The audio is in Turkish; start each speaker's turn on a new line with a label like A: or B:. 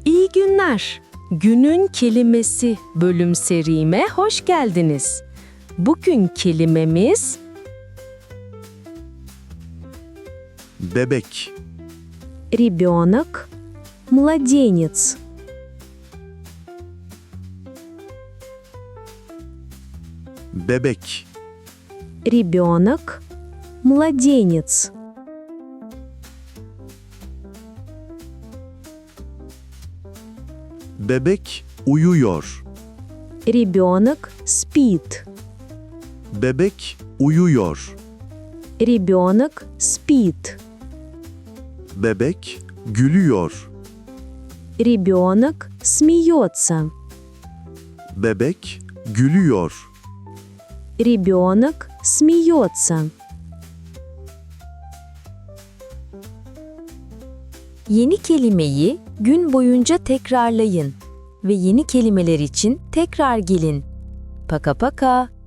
A: İyi günler. Günün kelimesi bölüm serime hoş geldiniz. Bugün kelimemiz
B: Bebek,
A: ребенок, младенец.
B: bebek,
A: Ребенок, младенец.
B: bebek uyuyor.
A: Ребенок спит.
B: Bebek uyuyor.
A: Ребенок спит.
B: Bebek gülüyor.
A: Ребенок смеется.
B: Bebek gülüyor.
A: Ребенок смеется.
C: Yeni kelimeyi gün boyunca tekrarlayın ve yeni kelimeler için tekrar gelin. Paka paka.